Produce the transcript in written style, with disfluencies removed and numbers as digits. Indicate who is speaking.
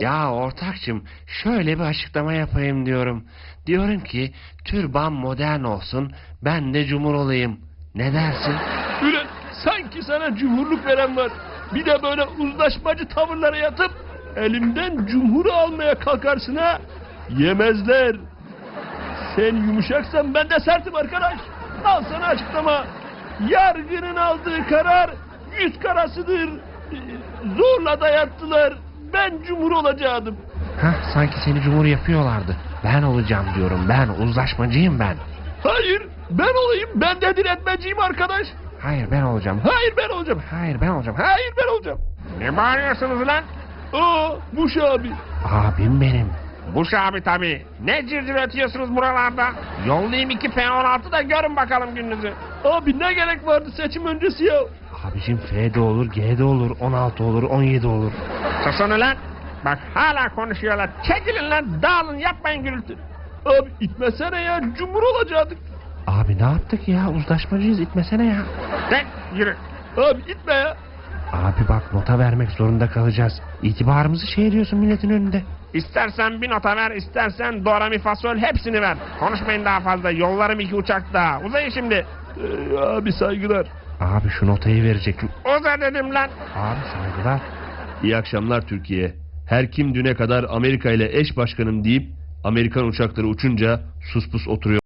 Speaker 1: Ya ortakçım, şöyle bir açıklama yapayım diyorum. Diyorum ki türban modern olsun, ben de cumhur olayım. Ne dersin?
Speaker 2: Ulan sanki sana cumhurluk veren var. Bir de böyle uzlaşmacı tavırlara yatıp elimden cumhuru almaya kalkarsın ha. Yemezler. Sen yumuşaksan ben de sertim arkadaş. Al sana açıklama. Yargının aldığı karar yüz karasıdır. Zorla dayattılar. Ben cumhur olacaktım.
Speaker 1: Hah, sanki seni cumhur yapıyorlardı. Ben olacağım diyorum, ben uzlaşmacıyım ben.
Speaker 2: Hayır ben olayım. Ben de diretmeciyim arkadaş.
Speaker 1: Hayır, ben olacağım.
Speaker 2: Hayır ben olacağım.
Speaker 1: Hayır, ben olacağım.
Speaker 2: Hayır ben olacağım.
Speaker 1: Ne bağırıyorsunuz lan?
Speaker 2: Aa Buş abi.
Speaker 1: Abim benim.
Speaker 3: Buş abi tabii. Ne cırcır ötüyorsunuz buralarda? Yollayayım 2 P16 da görün bakalım gününüzü.
Speaker 2: Abi ne gerek vardı seçim öncesi ya?
Speaker 1: Abicim F de olur, G de olur, 16 olur, 17 olur.
Speaker 3: Susun ulan. Bak hala konuşuyorlar. Çekilin lan, dağılın, yapmayın gürültü.
Speaker 2: Abi itmesene ya, cumhur olacaktık.
Speaker 1: Abi ne yaptık ya? Uzlaşmacıyız, itmesene ya.
Speaker 3: De yürü.
Speaker 2: Abi itme ya.
Speaker 1: Abi bak, nota vermek zorunda kalacağız. İtibarımızı şey ediyorsun milletin önünde.
Speaker 3: İstersen bir nota ver, istersen do, re, mi, fa, sol hepsini ver. Konuşmayın daha fazla, yollarım 2 uçak daha. Uzayın şimdi.
Speaker 2: Abi saygılar.
Speaker 1: Abi şu notayı verecektim.
Speaker 3: Uza dedim lan.
Speaker 1: Abi saygılar.
Speaker 2: İyi akşamlar Türkiye. Her kim düne kadar Amerika ile eş başkanım deyip Amerikan uçakları uçunca sus pus oturuyor.